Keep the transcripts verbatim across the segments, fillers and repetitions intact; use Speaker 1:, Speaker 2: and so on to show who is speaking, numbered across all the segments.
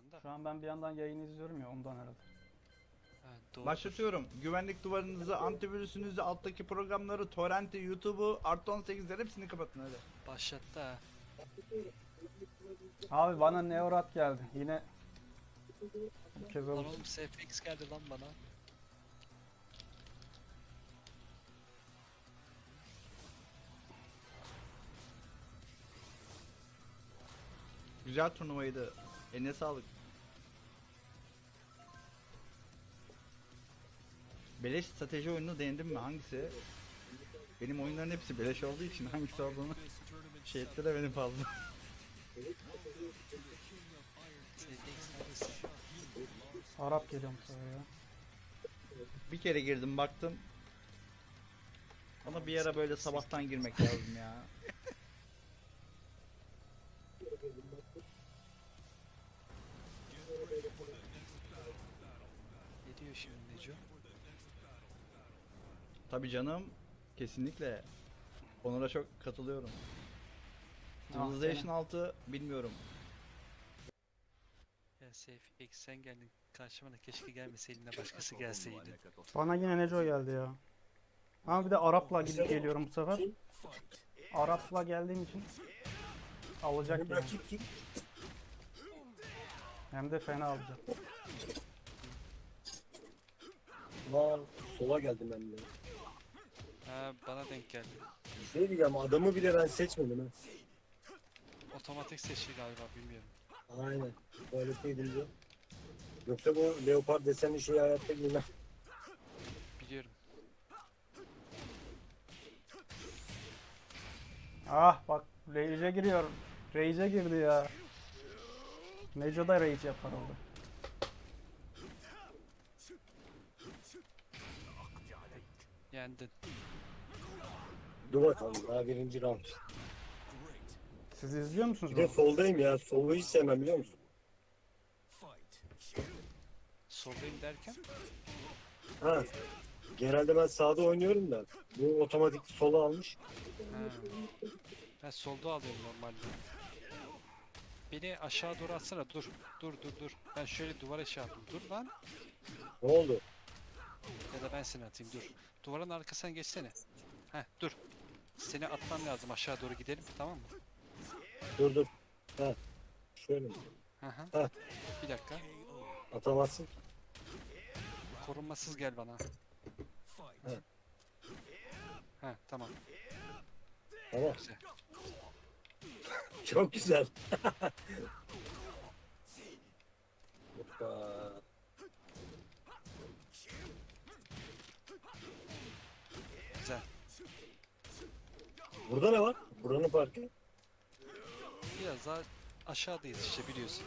Speaker 1: anda.
Speaker 2: Şu an ben bir yandan yayını izliyorum ya ondan herhalde.
Speaker 1: Ha, doğru.
Speaker 3: Başlatıyorum. Güvenlik duvarınızı, antivirüsünüzü, alttaki programları, torrenti, YouTube'u, artı on sekizleri hepsini kapatın hadi.
Speaker 1: Başlattı ha.
Speaker 2: Abi bana Neorat geldi. Yine bu kez
Speaker 1: Lan
Speaker 2: oldu.
Speaker 1: oğlum S F X geldi lan bana.
Speaker 3: Güzel turnuvaydı. Eline sağlık. Beleş strateji oyununu denedin mi? Hangisi? Benim oyunların hepsi beleş olduğu için hangisi olduğunu şey etti de beni fazla.
Speaker 1: S F X neredesin?
Speaker 2: Arap geliyor bu sefer ya.
Speaker 3: Bir kere girdim baktım. Ama bir ara böyle sabahtan girmek lazım ya.
Speaker 1: Ne diyor şimdi Neco?
Speaker 3: Tabii canım. Kesinlikle. Onlara çok katılıyorum.
Speaker 2: Ah,
Speaker 3: Civilization
Speaker 2: gene.
Speaker 3: altı bilmiyorum.
Speaker 1: Ya S F X sen geldin karşıma da keşke gelmeseydin de başkası gelseydi.
Speaker 2: Bana yine Neco geldi ya. Ama bir de Arap'la gidip geliyorum bu sefer. Arap'la geldiğim için alacak yani.
Speaker 4: Rakip kim?
Speaker 2: Hem de fena alacak.
Speaker 4: Aa, sola geldim ben de.
Speaker 1: Ha bana denk geldi.
Speaker 4: Şey diyeceğim, adamı bile ben seçmedim ha.
Speaker 1: Otomatik seçti galiba bilmiyorum.
Speaker 4: Aynen. Tuvaletteydim diyor. Yoksa bu leopar desenli şeyi hayatta giymem.
Speaker 1: Biliyorum.
Speaker 2: Ah bak Rage'e giriyor. Rage'e girdi ya. Neco da Rage yapar oldu.
Speaker 1: Yendin.
Speaker 4: Dur bakalım, daha birinci round.
Speaker 2: Siz izliyor musunuz
Speaker 4: Bir de
Speaker 2: bunu?
Speaker 4: soldayım ya. Solu hiç sevmem biliyor musun?
Speaker 1: Soldayım derken
Speaker 4: Ha. Genelde ben sağda oynuyorum da. Bu otomatik sola almış.
Speaker 1: ha. Ben solda alıyorum normalde. Beni aşağı doğru atsana dur. Dur dur dur. Ben şöyle duvara şey yaptım. Dur lan.
Speaker 4: Ne oldu?
Speaker 1: Ya da ben seni atayım dur. Duvarın arkasına geçsene. Heh dur. Seni atmam lazım aşağı doğru gidelim tamam mı?
Speaker 4: Dur dur. Ha. Şöyle mi?
Speaker 1: Hı hı.
Speaker 4: Ha.
Speaker 1: Bir dakika.
Speaker 4: Atamazsın.
Speaker 1: Korunmasız gel bana.
Speaker 4: He.
Speaker 1: Heh tamam.
Speaker 4: Tamam.
Speaker 1: Güzel.
Speaker 4: Çok güzel. Hoppa.
Speaker 1: Güzel.
Speaker 4: Burada ne var? Buranın farkı.
Speaker 1: Biraz daha aşağıdayız işte biliyorsun.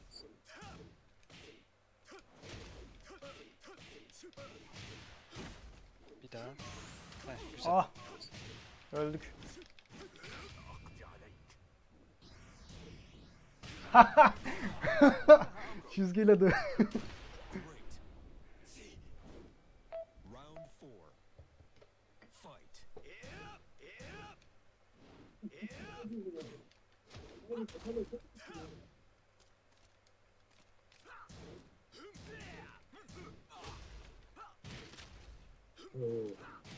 Speaker 1: Bir daha. Heh güzel.
Speaker 2: Ah. Öldük. Çizgiyle de.
Speaker 5: Round four. Fight.
Speaker 4: Oo.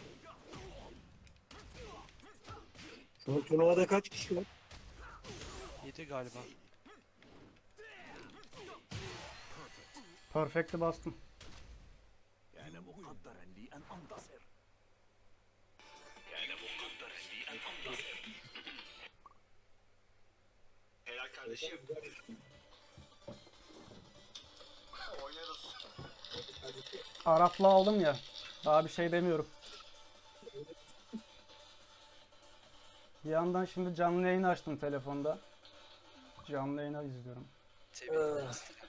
Speaker 4: Şu an turnuvada kaç kişi var?
Speaker 1: Yedi galiba.
Speaker 2: Perfect'i bastım.
Speaker 5: كان مقدرا لي أن أنتصر. كان مقدرا لي أن أنتصر.
Speaker 6: Helal kardeşim. Oynarız.
Speaker 2: Arap'la aldım ya. Daha bir şey demiyorum. Bir yandan şimdi canlı yayın açtım telefonda. Canlı yayını izliyorum.
Speaker 1: Tebrik ederim.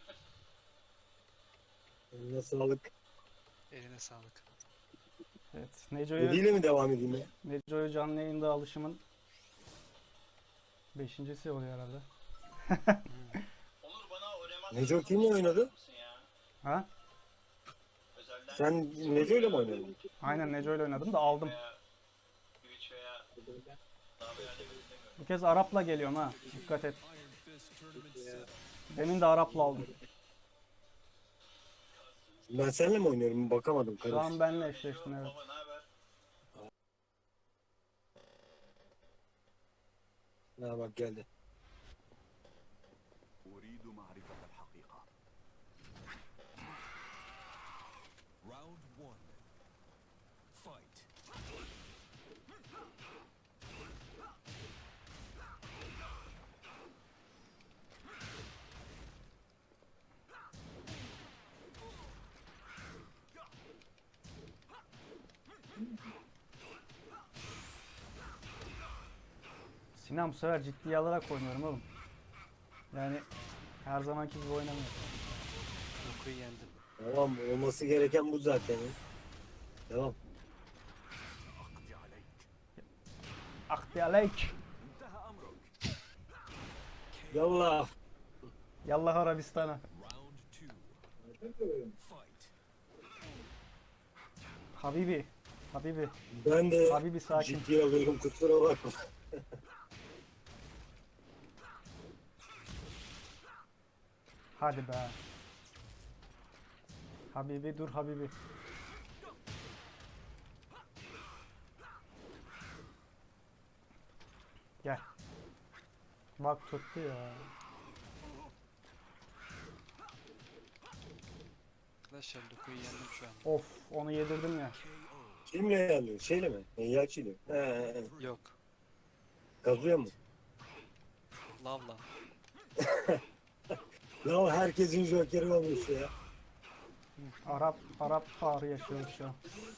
Speaker 4: Eline sağlık.
Speaker 1: Eline sağlık.
Speaker 2: Evet. Neco'yu
Speaker 4: Yediyle mi devam edeyim ya?
Speaker 2: Neco'yu canlı yayında alışımın beşincisi oluyor herhalde.
Speaker 6: Onur bana oynamaz.
Speaker 4: Neco kimle oynadı?
Speaker 2: Ha?
Speaker 6: Özelden
Speaker 4: Sen Neco ile mi oynadın?
Speaker 2: Aynen Neco'yla oynadım da aldım.
Speaker 6: veya Twitch veya daha veya ne bileyim.
Speaker 2: Bu kez Arap'la geliyorum ha. Dikkat et.
Speaker 5: Iron Fist tournament set.
Speaker 2: Demin de Arap'la aldım.
Speaker 4: Ben seninle mi oynuyorum? Bakamadım.
Speaker 2: Şu
Speaker 4: Karış.
Speaker 2: an benle eşleştin evet.
Speaker 6: Baba ne haber?
Speaker 4: Ha bak geldi.
Speaker 5: أريد معرفة الحقيقة. Round one. Fight.
Speaker 2: Sinan bu sefer ciddiye alarak oynuyorum oğlum. Yani her zamanki gibi oynamıyorum.
Speaker 1: Dokuyu yendim.
Speaker 4: Tamam olması gereken bu zaten. ya. Devam.
Speaker 5: أقضي عليك.
Speaker 2: Akdi aleyk.
Speaker 5: انتهى أمرك.
Speaker 4: Yallah.
Speaker 2: Yallah Arabistan'a.
Speaker 5: Round two. Fight.
Speaker 2: Habibi. Habibi.
Speaker 4: Ben de
Speaker 2: Habibi sakin.
Speaker 4: ciddiye alıyorum kusura bakma.
Speaker 2: Hadi be. Habibi dur Habibi. Gel. Bak tuttu ya.
Speaker 1: Arkadaşlar Dokuyu yendim şu an.
Speaker 2: Of onu yedirdim ya.
Speaker 4: Kimle yanıyor? Şeyle mi? Eyyakçıyla. He he he.
Speaker 1: Yok.
Speaker 4: Kazuya mı?
Speaker 1: Lavla.
Speaker 4: Ya herkesin jokeri olmuş ya.
Speaker 2: Arap Arap ağrı yaşıyoruz şu an.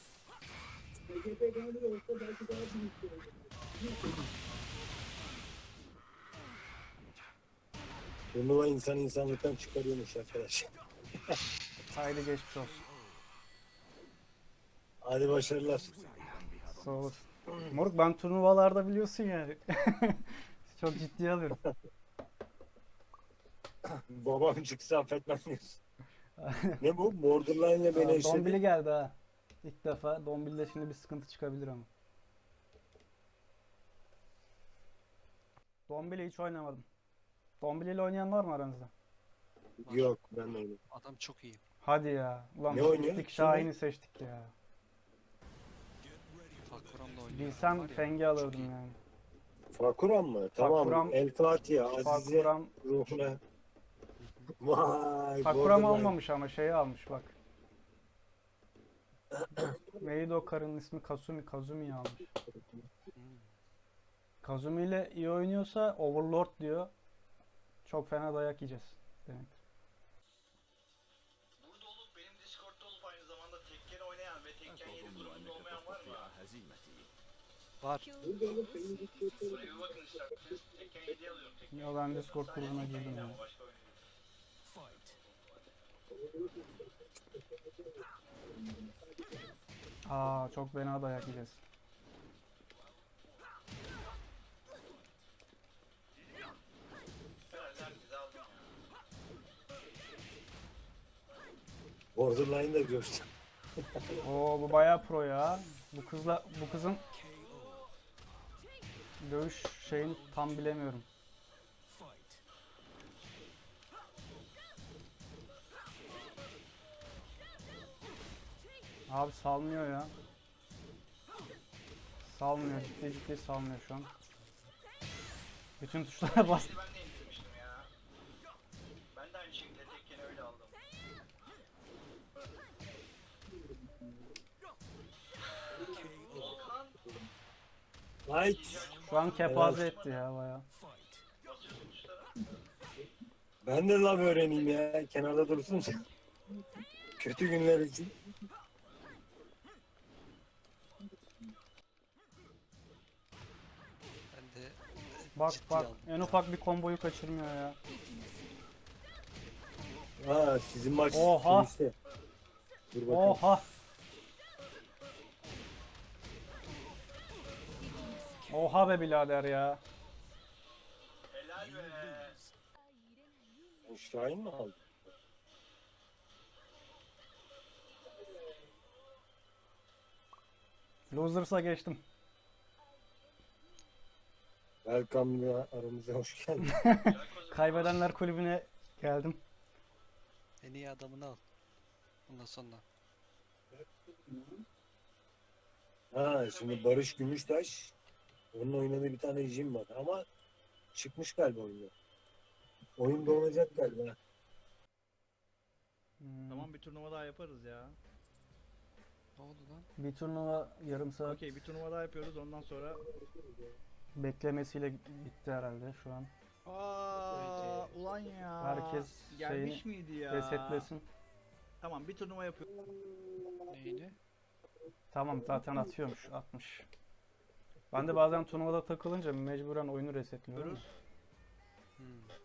Speaker 4: Turnuva insan insanlıktan çıkarıyormuş arkadaş.
Speaker 2: Haydi geçmiş olsun.
Speaker 4: Hadi başarılar.
Speaker 2: Sağ olasın. Moruk ben turnuvalarda biliyorsun yani. Çok ciddiye alıyorum.
Speaker 4: Babam çıksa affetmem diyorsun. Ne bu? Borderline'le beni
Speaker 2: Aa, Dombili
Speaker 4: eşledi.
Speaker 2: geldi ha. İlk defa. Dombili'de şimdi bir sıkıntı çıkabilir ama. Dombili hiç oynamadım. Dombili ile oynayan var mı aranızda?
Speaker 4: Yok ben de oynadım.
Speaker 1: Adam çok iyi.
Speaker 2: Hadi ya. Ulan
Speaker 4: Ne
Speaker 2: biz
Speaker 4: oynuyor?
Speaker 2: gittik
Speaker 4: Kim
Speaker 2: Şahin'i seçtik ya.
Speaker 1: Fakuram'la oynuyor.
Speaker 2: Bilsem
Speaker 1: Var ya,
Speaker 2: Feng'i
Speaker 1: çok
Speaker 2: alırdım
Speaker 1: iyi.
Speaker 2: yani.
Speaker 4: Fakuram mı? Tamam.
Speaker 2: Fakuram-
Speaker 4: El Fatiha. Azize
Speaker 2: Fakuram,
Speaker 4: ruhuna. Vay.
Speaker 2: Fakuram
Speaker 4: Borderline.
Speaker 2: almamış ama şeyi almış bak. Neydi o karının ismi? Kasumi. Kazumi'yi almış.
Speaker 1: Hmm.
Speaker 2: Kazumi ile iyi oynuyorsa Overlord diyor. Çok fena dayak yiyeceğiz demektir.
Speaker 6: Burada olup benim Discord'da olup aynı zamanda Tekken oynayan ve Tekken yedi
Speaker 5: أتظن
Speaker 6: durumunda
Speaker 5: أنك
Speaker 6: olmayan var mı?
Speaker 5: تستطيع هزيمتي.
Speaker 1: Var.
Speaker 6: Buraya bir bakın isterseniz. Tekken yediyi alıyorum. Tekken
Speaker 2: Ya ben Discord grubuna girdim ya.
Speaker 6: ama başka oyun değil.
Speaker 5: Fight.
Speaker 2: Aa çok fena dayak yiyeceğiz.
Speaker 6: Herhalde herkese aldım ya.
Speaker 4: Borderline'da görsün.
Speaker 2: Oo bu bayağı pro ya. Bu kızla bu kızın dövüş şeyini tam bilemiyorum.
Speaker 5: Fight.
Speaker 2: Abi salmıyor ya. Salmıyor. Ciddi ciddi salmıyor şu an. Bütün tuşlara bas.
Speaker 6: Şimdi ben de indirmiştim ya. Ben de aynı şekilde Tekken'i öyle aldım. Volkan
Speaker 4: Light.
Speaker 2: Şu an kepaze etti ya bayağı.
Speaker 5: Fight.
Speaker 6: basıyorsun tuşlara.
Speaker 4: Ben de lav öğreneyim ya. Kenarda dursun. Kötü günler için.
Speaker 1: Ben de
Speaker 2: Bak
Speaker 1: ciddiye
Speaker 2: bak
Speaker 1: aldım.
Speaker 2: en ufak bir komboyu kaçırmıyor ya.
Speaker 4: Ha sizin maç.
Speaker 2: Oha.
Speaker 4: işte. Dur bakayım.
Speaker 2: Oha. Oha be birader ya.
Speaker 6: Helal be.
Speaker 4: Şahin mi aldı?
Speaker 2: Losers'a geçtim.
Speaker 4: Welcome ya aramıza hoş geldin.
Speaker 2: Kaybedenler kulübüne Geldim.
Speaker 1: En iyi adamını al. Ondan sonra.
Speaker 4: Ha şimdi Barış Gümüştaş onun oynadığı bir tane jim var ama çıkmış galiba oyunda. Oyun donacak galiba.
Speaker 2: Hmm,
Speaker 3: Tamam bir turnuva daha yaparız ya.
Speaker 1: Ne oldu lan?
Speaker 2: Bir turnuva yarım saat
Speaker 3: Okey bir turnuva daha yapıyoruz ondan sonra.
Speaker 2: beklemesiyle gitti herhalde şu an.
Speaker 3: Aa ulan ya.
Speaker 2: Herkes
Speaker 3: gelmiş
Speaker 2: şeyini
Speaker 3: miydi ya?
Speaker 2: Resetlesin.
Speaker 3: Tamam bir turnuva yapıyoruz.
Speaker 1: Neyini?
Speaker 2: Tamam zaten atıyormuş, atmış. Ben de bazen turnuvada takılınca mecburen oyunu resetliyorum.
Speaker 1: Hmm.